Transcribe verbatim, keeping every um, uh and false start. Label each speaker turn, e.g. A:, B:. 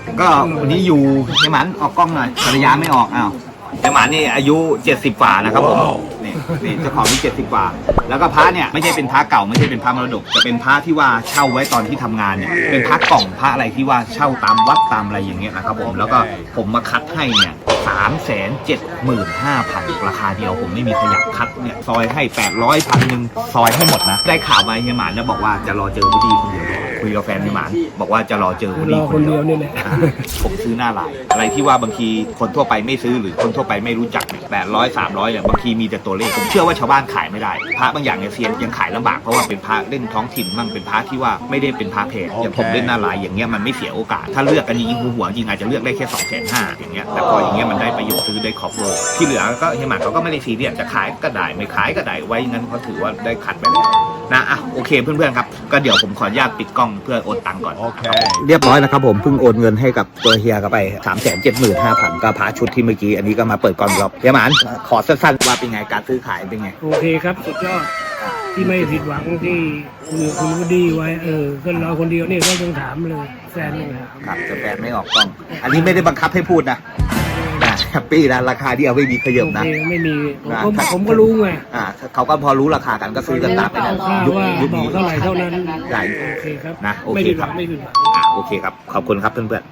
A: ก็วันนี้อยู่เฮียหมันออกกล้องหน่อยภรรยาไม่ออกอ้าวเฮียหมันนี่อายุเจ็ดสิบกว่านะครับผมนี่นี่เจ้าของนี่เจ็ดสิบกว่าแล้วก็พระเนี่ยไม่ใช่เป็นพระเก่าไม่ใช่เป็นพระมรดกจะเป็นพระที่ว่าเช่าไว้ตอนที่ทำงานเนี่ยเป็นพระกล่องพระอะไรที่ว่าเช่าตามวัดตามอะไรอย่างเงี้ยนะครับผมแล้วก็ผมมาคัดให้เนี่ยสามแสนเจ็ดหมื่นห้าพันราคาเดียวผมไม่มีขยับคัดเนี่ยซอยให้แปดร้อยพันหนึ่งซอยให้หมดนะได้ข่าวมาเฮียหมันเนี่ยบอกว่าจะรอเจอวุฒิคนเดียวคุยกับแฟนเฮียหมันบอกว่าจะรอเจอวุฒิคนเดียวนี่แหละผมซื้อหน้าลายอะไรที่ว่าบางทีคนทั่วไปไม่ซื้อหรือคนทั่วไปไม่รู้จักแปดร้อยสามร้อยเนี่ยบางทีมีแต่ตัวเลขผมเชื่อว่าชาวบ้านขายไม่ได้พระบางอย่างเนี่ยเซียนยังขายลำบากเพราะว่าเป็นพระเล่นท้องถิ่นมั่งเป็นพระที่ว่าไม่ได้เป็นพระเพจอย่างผมเล่นหน้าลายอย่างเงี้ยมันไม่เสียโอกาสถ้าเลือกกันยิงหัวหัวจริงอาจจะเลือกได้แค่สองแสนห้าอย่างเงี้ยแต่พออย่างเงี้ยมันได้ประโยชน์ซื้อได้ครอบโลที่เหลือก็เฮียหมันเขาก็ไม่ได้ซีเรียสจะขายก็ได้ไม่ขายก็ได้ไว้งั้นเขาถือว่าได้คัดไปแล้วนะอ่ะโอเคเพื่อนๆครับก็เดี๋ยวผมขออนุญาตปิดกล้องเพื่อโอนตังค์ก่อนโอเคเรียบร้อยนะครับผมเพิ่งโอนเงินให้กับตัวเฮียกันไปสามแสนเจ็ดหมื่นห้าพันก็พาชุดที่เมื่อกี้อันนี้ก็มาเปิดกล้องรอบเฮียหมันขอสั้นๆว่าเป็นไงการซื้อขายเป็นไง
B: โอเคครับสุดยอดที่ไม่ผิดหวังที่คุยคุยก็ดีไว้เออก็เราคนเดียวนี่ก็ต้องถามเลยแฟนไม่ถาม
A: ครับแต่แฟนไม่ออกกล้องอันนี้ไม่ได้บังคับให้พูดนะนะแฮปปี้นะราคาที่เอาไม่มีขยับนะ
B: ไม่มีผมผมก็รู้ไง
A: อ่าเขาก็พอรู้ราคากันก็ซื้อกันตามไปนะ
B: ยุคยุคนี้เท่าไหร่เท่านั้น
A: ใหญ่
B: โอเคครับ
A: นะโอเคครับไม่ผิดหวังไม่ผิดหวังอ่าโอเคครับขอบคุณครับเพื่อนๆ